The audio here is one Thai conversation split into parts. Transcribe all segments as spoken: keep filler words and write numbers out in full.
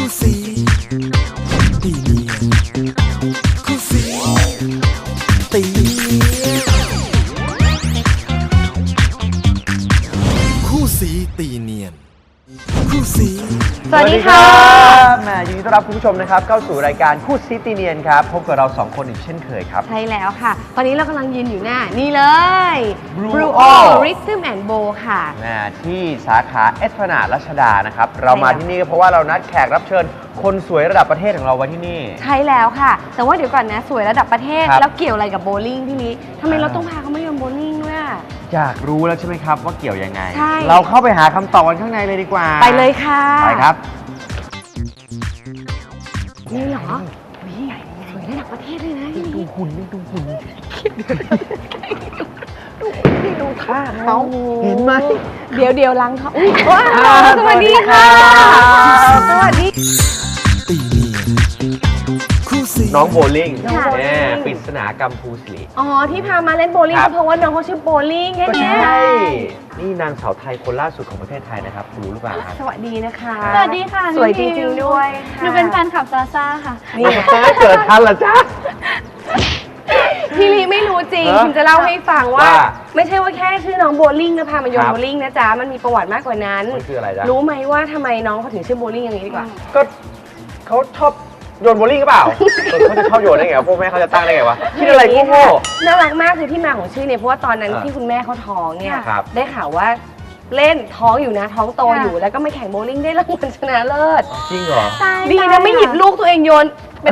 คู่สีตีเนียนคู่สีตีเนียนคู่สีตีเนียนคู่สีสวัสดีค่ะแม่ยินดีต้อนรับคุณผู้ชมนะครับเข้าสู่รายการคู่ซีตีเนียนครับพบกับเราสองคนอีกเช่นเคยครับใช่แล้วค่ะตอนนี้เรากำลังยืนอยู่หน้านี่เลย Blue Rhythm and Bowl ค่ะที่สาขาเอสพลานาดรัชดานะครับเรามาที่นี่ก็เพราะว่าเรานัดแขกรับเชิญคนสวยระดับประเทศของเราไว้ที่นี่ใช่แล้วค่ะแต่ว่าเดี๋ยวก่อนนะสวยระดับประเทศแล้วเกี่ยวอะไรกับโบว์ลิ่งพี่ลิทำไมเราต้องพาเขามาโยนโบว์ลิ่งด้วยอยากรู้แล้วใช่ไหมครับว่าเกี่ยวยังไงเราเข้าไปหาคำตอบกันข้างในเลยดีกว่าไปเลยค่ะไปครับนี่เหรอวิ่งสวยระดับประเทศเลยนะดูหุ่นดูหุ่นดูนี่ดูท่าเขาเห็นไหมเดี๋ยวเดี๋ยวล้างท้องว้าวสวัสดีค่ะสวัสดีตีเนียนคู่สีน้องโบลิ่งแม่ปริศนากรรมภูสิริอ๋อที่พามาเล่นโบลิ่งเพราะว่าน้องเขาชื่อโบลิ่งใช่ไหมใช่นี่นางสาวไทยคนล่าสุดของประเทศไทยนะครับรู้หรือเปล่าครับสวัสดีนะคะสวัสดีค่ะสวยจริงๆด้วยหนูเป็นแฟนคลับซาซ่าค่ะนี่เกิดทันละจ้าพี่ลีไม่รู้จริงคุณจะเล่าให้ฟังว่าไม่ใช่ว่าแค่ชื่อน้องโบลิ่งนะพามาโยนโบลิ่งนะจ๊ะมันมีประวัติมากกว่านั้นมันคืออะไรจ๊ะรู้ไหมว่าทำไมน้องเขาถึงชื่อโบลิ่งอย่างนี้ดีกว่าก็เขาชอบโยนโบลิ่งหรือเปล่าเขาจะชอบโยนได้ไงพวกแม่เขาจะตั้งได้ไงวะคิดอะไรโง่น่ารักมากคือที่มาของชื่อเนี่ยเพราะว่าตอนนั้นที่คุณแม่เขาท้องเนี่ยได้ข่าวว่าเล่นท้องอยู่นะท้องโตอยู่แล้วก็มาแข่งโบลิ่งได้รางวัลชนะเลิศจริงเหรอดีนะไม่หยิบลูกตัวเองโยนเป็น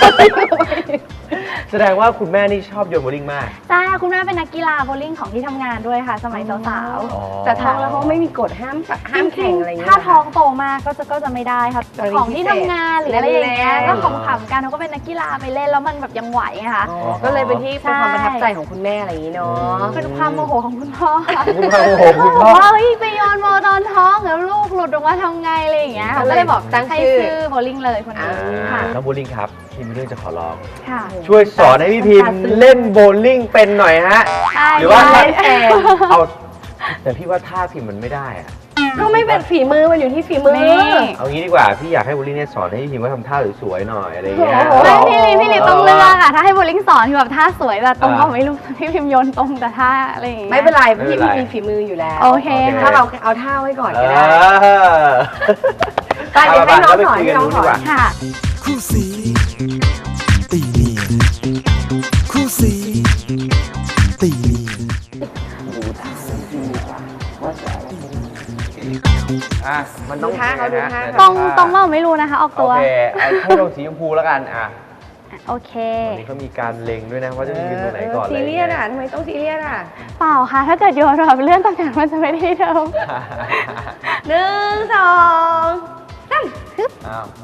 แสดงว่าคุณแม่นี่ชอบโยนโบลิ่งมากใช่คุณแม่เป็นนักกีฬาโบลิ่งของที่ทำงานด้วยค่ะสมัยสาวๆแต่ท้องแล้วเขาไม่มีกฎห้ามห้ามแข่งอะไรอย่างเงี้ยถ้าท้องโตมากก็จะก็จะไม่ได้ค่ะของที่ทำงานหรืออะไรอย่างเงี้ยก็ขำๆกันเขาก็เป็นนักกีฬาไปเล่นแล้วมันแบบยังไหวไงคะก็เลยเป็นที่เป็นความประทับใจของคุณแม่อะไรอย่างงี้เนาะเป็นความโมโหของคุณพ่อคุณพ่อโมโหคุณพ่อว่าเฮ้ยไปโยนโบตอนท้องแล้วลูกหลุดออกมาทำไงอะไรอย่างเงี้ยเขาก็เลยบอกตั้งชื่อโบลิ่งเลยคนนี้ค่ะน้องโบลิ่งครับพี่มีเรื่องจะขอร้องค่ะช่วยสอนให้พี่พิมพ์เล่นโบลิ่งเป็นหน่อยฮะหรือว่าเอาแต่พี่ว่าท่าพิมพ์มันไม่ได้อะก็ไม่เป็นฝีมือมันอยู่ที่ฝีมือเอางี้ดีกว่าพี่อยากให้โบลิ่งเนี่ยสอนให้พี่พิมพ์ว่าทำท่าสวยๆหน่อยอะไรอย่างเงี้ยพี่ลิพี่ลิต้องเลือกอะถ้าให้โบลิ่งสอนคือแบบท่าสวยแบบตรงก็ไม่รู้พี่พิมพ์โยนตรงแต่ท่าอะไรอย่างเงี้ยไม่เป็นไรพี่มีฝีมืออยู่แล้วโอเคถ้าเราเอาท่าไว้ก่อนก็ได้ไปเดี๋ยวให้น้องสอนให้น้องสอนค่ะคู่สีตีเนียนคู่สีตีเนียนอ่ะมันต้องท่าเขาดูท่าตรงตรงเราไม่รู้นะคะออกตัวโอเคให้ลงสีชมพูแล้วกันอ่ะโอเควันนี้เขามีการเล็งด้วยนะว่าจะยืนตรงไหนก่อนเลยซีเรียสอ่ะทำไมต้องซีเรียสอ่ะเปล่าค่ะถ้าเกิดโยนแบบเลื่อนตำแหน่งมันจะไม่ได้เดิมหนึ่งสองสามฮึบอ้าว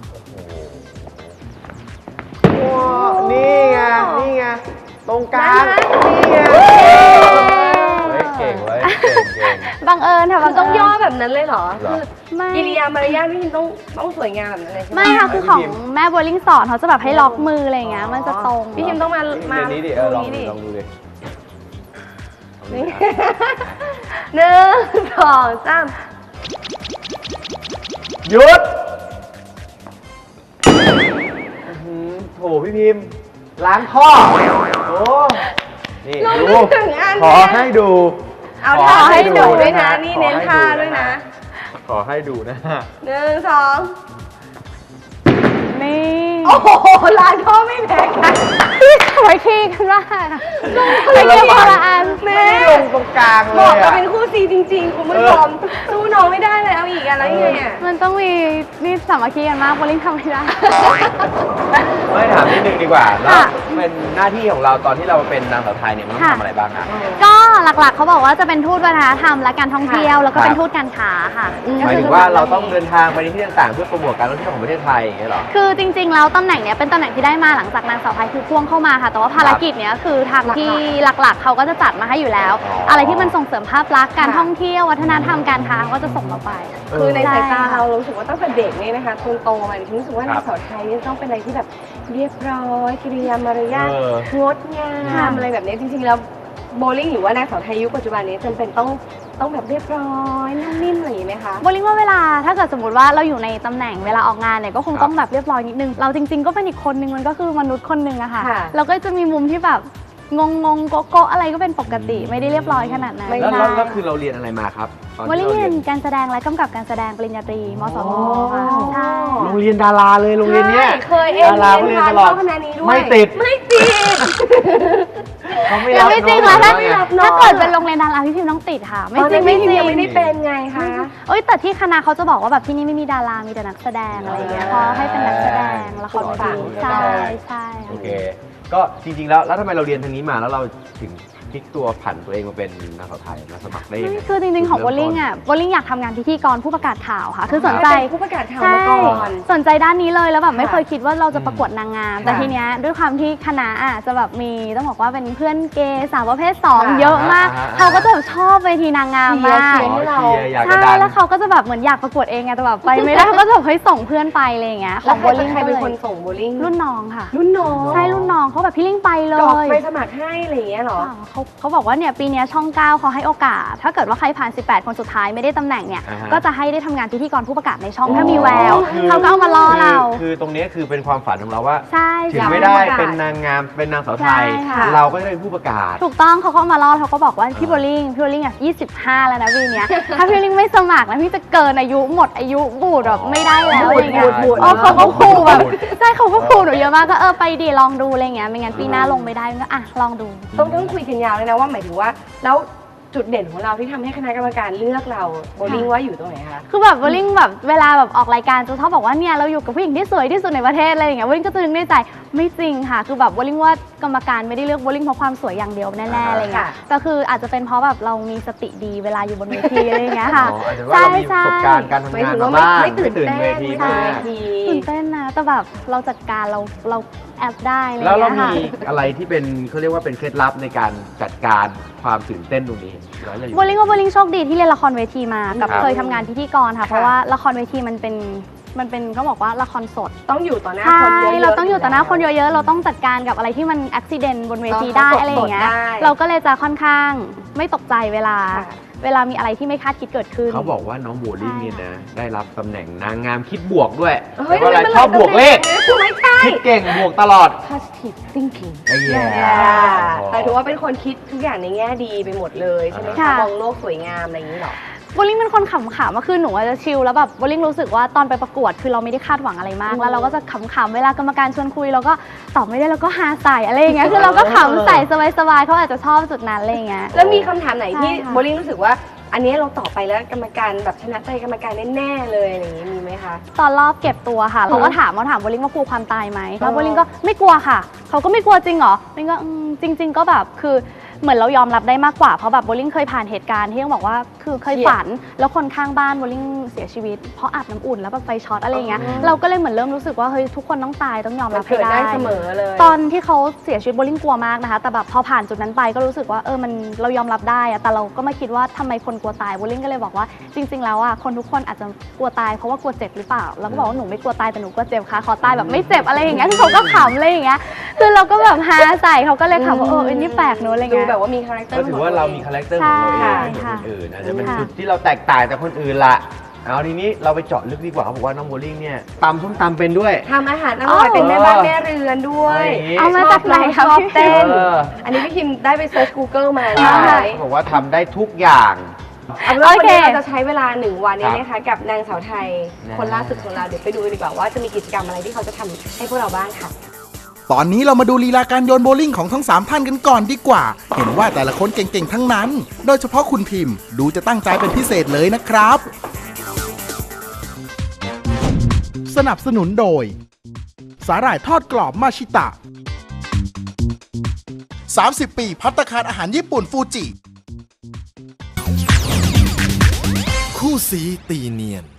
นี่ไงนี่ไงตรงกลางนี่ไงเก่งไว้เก่งเก่งบังเอิญค่ะมันต้องย่อแบบนั้นเลยเหรอคือกิริยามารยาทพี่พิมต้องต้องสวยงามแบบนั้นเลยใช่ไหมไม่ค่ะคือของแม่โบลิ่งสอนเขาจะแบบให้ล็อกมืออะไรอย่างเงี้ยมันจะตรงพี่พิมต้องมามานี้ดิเออลองดูลองดูดินี่หนึ่งสองสามหยุดโถพี่พิมพ์ล้างท่อโอ้นี่ดูขอให้ดูเอาท่าให้ดูด้วยนะนี่เน้นท่าด้วยนะขอให้ดูนะหนึ่งสองนี่โอ้โหล้างท่อไม่แพ้กันไว้ขี้กันว่าไว้ขี้คนละอันแม่ลงตรงกลางเลยบอกว่าเป็นคู่ซีจริงๆคุณผู้ชมสู้น้องไม่ได้เลยเอาอีกอะไรยังไงอ่ะมันต้องมีนี่สามัคคีกันมากโบลิ่งทำไม่ได้ไม่ถามนิดนึงดีกว่าแล้วเป็นหน้าที่ของเราตอนที่เราเป็นนางสาวไทยเนี่ยมันต้องทำอะไรบ้างคะก็หลักๆเขาบอกว่าจะเป็นทูตวัฒนธรรมและการท่องเที่ยวแล้วก็เป็นทูตการค้าค่ะหมายถึงว่าเราต้องเดินทางไปในที่ต่างๆเพื่อโปรโมทการท่องเที่ยวของประเทศไทยอย่างเงี้ยหรอคือจริงๆแล้วตำแหน่งเนี้ยเป็นตำแหน่งที่ได้มาหลังจากนางสาวไทยคือพ่วงเข้ามาค่ะแต่ว่าภารกิจเนี้ยคือทางที่หลักๆเขาก็จะจัดมาให้อยู่แล้วอะไรที่มันส่งเสริมภาพลักษณ์การท่องเที่ยววัฒนธรรมการค้าก็จะส่งเราไปคือในสายตาเรารู้สึกว่าตั้งแต่เด็กนี่นะคะจนโตมาฉันรู้สึกว่านางสาวไทยนี่ต้องเป็นอะไรที่แบบเรียบร้อยกิริยามารยาทงดงามอะไรแบบนี้จริงๆแล้วโบลิ่งหรือว่านางสาวไทยยุคปัจจุบันนี้จำเป็นต้องต้องแบบเรียบร้อยนุ่มนิ่มอะไรอย่างนี้ไหมคะโบลิ่งว่าเวลาถ้าเกิดสมมติว่าเราอยู่ในตำแหน่งเวลาออกงานเนี่ยก็คงต้องแบบเรียบร้อยนิดนึงเราจริงๆก็เป็นอีกคนนึงมันก็คือมนุษย์คนนึงอะค่ะค่ะเราก็จะมีมุมที่แบบงงงๆโกโก้อะไรก็เป็นปกติไม่ได้เรียบร้อยขนาดนั้นไม่แล้วได้แล้วแล้วคือเราเรียนอะไรมาครับตอนโบที่ลิ่งเราเรีเรียยนนการแสดงและกำกับการแสดงปริญญาตรีมสวค่ะใช่โรงเรียนดาราเลยโรงเรียนเนี้ยใช่เคยเอ็นดาราเรีเรียยนนทาตนลอดเข้าคณะนี้ด้วยไม่ติดไม่ติดเขาไม่ยัรังบไม่จริงเหรอน้ถ้าองๆไงถ้าเกิดเป็นโรงเรียนดาราพี่พิมพ์ต้องติดค่ะ ไม่จริงไม่ไม่จจริริงงไม่ได้เป็นไงคะเอ้ยแต่ที่คณะเขาจะบอกว่าแบบที่นี่ไม่มีดารา มีแต่นักแสดงอะไรอย่างเงี้ยเขาให้เป็นนักแสดงละครเวทีใช่ใช่โอเค ก็จริงๆแล้วแล้วทำไมเราเรียนทางนี้มาแล้วเราถึงพลิกตัวผันตัวเองมาเป็นนางสาวไทยมาสมัครได้ยังไงคือจริงๆของโบลิ่งอ่ะโบลิ่งอยากทำงานพิธีกรผู้ประกาศข่าวค่ะ คือสนใจเป็นผู้ประกาศข่าวใช่มาก่อนสนใจด้านนี้เลยแล้วแบบไม่ค่ะเคยคิดว่าเราจะประกวดนางงาม แต่ทีเนี้ยด้วยความที่คณะอ่ะจะแบบมีต้องบอกว่าเป็นเพื่อนเกย์สาวประเภทสองค่ะเยอะมากอ่าเขาก็จะแบบชอบเวทีนางงามมากเชียร์ ให้เราอ๋อเชียร์อยากจะใช่ดันแล้วเขาก็จะแบบเหมือนอยากประกวดเองไงแต่แบบไปไม่ได้ เขาก็จะแบบเฮ้ยส่งเพื่อนไปอะไรอย่างเงี้ยขแล้อวงใคโบรเป็นลิ่งใครก็เป็นเลยคนส่งโบลิ่งรุ่นน้องค่ะรุ่นน้องใช่รุ่นน้องเขาแบบพี่ลิ่งไปเลกรอกยไปสมัครให้อะไรอย่างเงี้ยเหรออ่าเขาเขาบอกว่าเนี่ยปีเนี้ยช่องเก้าเขาให้โอกาส ถ้าเกิดว่าใครผ่าน สิบแปด คนสุดท้ายไม่ได้ตำแหน่งเนี่ยอ่าฮะก็จะให้ได้ทำงานพิธีกรผู้ประกาศในช่องถ้ามีอ๋อแววคือเขาก็เอามาล่อเราคือคือตรงนี้คือเป็นความฝันของเราว่าใช่ถึงใช่ไม่ได้อยากเป็นผู้ประกาศเป็นนางงามเป็นนางสาวไทยใช่ค่ะเราก็จะเป็นผู้ประกาศถูกต้องเขาก็เอามาล่อเขาก็บอกว่าพี่โบลิ่งพี่โบลิ่งอ่ะยี่สิบห้าแล้วนะปีเนี้ย ถ้าพี่โบลิ่งไม่สมัครนะพี่จะเกินอายุหมดอายุบูดแบบไม่ได้แล้วอะไรอย่างเงี้ยบูดบูดเออเขาก็ขู่แบบบูดใช่เขาก็ขู่หนูเยอะมากก็เออไปดีลองดูอะไรเงี้ยไม่งั้นปีหน้าลงไม่ได้ก็อ่ะลองดูต้องต้องคุยกันยาวเลยนะว่าหมายถึงว่าแล้วจุดเด่นของเราที่ทำให้คณะกรรมการเลือกเราโบลิ่งว่าอยู่ตรงไหนคะคือแบบโบลิ่งแบบเวลาแบบออกรายการจะชอบบอกว่าเนี่ยเราอยู่กับผู้หญิงที่สวยที่สุดในประเทศอะไรอย่างเงี้ยโบลิ่งก็จะนึกในใจไม่จริงค่ะ คือแบบโบลิ่งว่ากรรมการไม่ได้เลือกโบลิ่งเพราะความสวยอย่างเดียวแน่ๆอะไรเงี้ยค่ะแต่คืออาจจะเป็นเพราะแบบเรามีสติดีเวลาอยู่บนเวทีอะไรอย่างเงี้ยค่ะอ๋ออาจจะว่าเรามีประสบการณ์การทำหมายงานถึงมาว่าไม่บ้างไม่ตื่นตื่นเต้นเวทีไม่มาตื่นเวกทีตื่นเต้นนะแต่แบบเราจัดการเราเราแอบได้อะไรแล้วเราเงี้ยมีค่ะอะไรที่เป็นเขาเรียกว่าเป็นเคล็ดลับในการจัดการความตื่นเต้นตรงนี้แล้วเราอยู่โบลิ่งว่าโบลิ่งโชคดีที่เรียนละครเวทีมากับครับเคยทำงานพิธีกรค่ะ เพราะว่าละครเวทีมันเป็นมันเป็นเขาบอกว่าละครสดต้องอยู่ต่อหน้าใช่คนเยอะๆเราต้องอยู่ต่อหน้าคนเยอะๆ เราต้องจัดการกับอะไรที่มันอุบิเหตุบนเวทีได้ต้องอะไรอย่างเงี้ยสดๆได้เราก็เลยจะค่อนข้างไม่ตกใจเวลาค่ะเวลามีอะไรที่ไม่คาดคิดเกิดขึ้นเขาบอกว่าน้องโบลิ่งเนี่ยนะได้รับตำแหน่งนางงามคิดบวกด้วยเฮ้ยแล้วก็อะไรมันชอบบวกเลขไม่ใช่คิดเก่งบวกตลอด positive thinking ไอ้แย่แต่ถือว่าเป็นคนคิดทุกอย่างในแง่ดีไปหมดเลยใช่ไหมคะค่ะมองโลกสวยงามอะไรอย่างนี้หรอโบลิ่งเป็นคนขำๆมาคือหนูอาจจะชิลแล้วแบบโบลิ่งรู้สึกว่าตอนไปประกวดคือเราไม่ได้คาดหวังอะไรมากอืมแล้วเราก็จะขำๆเวลากรรมการชวนคุยเราก็ตอบไม่ได้เราก็ฮาใส่อะไรอย่างเงี้ยคือเราก็ขำใส่สบายๆเขาอาจจะชอบจุดนั้นอะไรอย่างเงี้ยแล้วมีคำถามไหนที่ใช่ค่ะโบลิ่งรู้สึกว่า อันนี้เราตอบไปแล้วกรรมการแบบชนะใจกรรมการแน่ๆเลยอะไรอย่างนี้มีไหมคะตอนรอบเก็บตัวค่ะเขาก็ถามเขาถามโบลิ่งว่ากลัวความตายไหมแล้วโบลิ่งก็ไม่กลัวค่ะเขาก็ไม่กลัวจริงเหรอโบลิ่งก็อืมจริง ๆ ก็แบบคือเหมือนเรายอมรับได้มากกว่าเพราะแบบโบลิ่งเคยผ่านเหตุการณ์ที่ต้องบอกว่าคือเคยฝันแล้วคนข้างบ้านโบลิ่งเสียชีวิตเพราะอาบน้ำอุ่นแล้วแบบไฟช็อตอะไรอย่างเงี้ยเราก็เลยเหมือนเริ่มรู้สึกว่าเฮ้ยทุกคนต้องตายต้องยอมมัรันบให้เกิดได้ได้เสมอเลยตอนที่เขาเสียชีวิตโบลิ่งกลัวมากนะคะแต่แบบพอผ่านจุดนั้นไปก็รู้สึกว่าเออมันเรายอมรับได้อะแต่เราก็ไม่คิดว่าทำไมคนกลัวตายโบลิ่งก็เลยบอกว่าจริง ๆ แล้วอ่ะคนทุกคนอาจจะกลัวตายเพราะว่ากลัวเจ็บหรือเปล่าแล้วก็บอกว่าหนูไม่กลัวตายแต่หนูกลัวเจ็บค่ะขอตายแบบไม่เจ็บอะไรอย่างเงี้ยคือเขาก็ขำอะไรอย่างเงี้ยคือเราก็แบบฮาใส่เขาก็เลยขำว่าเอออันนี้แปลกเนอะอะไรดูเงี้ยแบบว่ามีคาแรคเตอก็ร์ถือว่าเรามีคาแรคเตอร์ของเราเองใช่ไม่เหมือนค่ะคนอื่นอาจจะเป็นค่ะจุดที่เราแตกต่างจากคนอื่นละเอาทีนี้เราไปเจาะลึกดีกว่าเขาบอกว่าน้องโบลิ่งเนี่ยตำส้มตำเป็นด้วยทำอาหารอร่อยเป็นแม่บ้านแม่เรือนด้วยเอามาจากไหนชคะอบพี่เต้นเอออันนี้พี่คิมได้ไปเซิร์ช Google มาใช่ใช่เขาบอกว่าทำได้ทุกอย่างเอาเป็นว่าโอวันเคนี้เราจะใช้เวลาหนึ่งวันนี้ครับนะคะกับนางสาวไทยนะคนล่าสุดของเราเดี๋ยวไปดูดีกว่าว่าจะมีกิจกรรมอะไรที่เขาจะทำให้พวกเราบ้างค่ะตอนนี้เรามาดูลีลาการโยนโบลิ่งของทั้งสามท่านกันก่อนดีกว่า เห็นว่าแต่ละคนเก่งๆทั้งนั้น โดยเฉพาะคุณพิมพ์ดูจะตั้งใจเป็นพิเศษเลยนะครับ สนับสนุนโดย สาหร่ายทอดกรอบมาชิตะ สามสิบ ปีภัตตาคารอาหารญี่ปุ่นฟูจิ คู่สีตีเนียน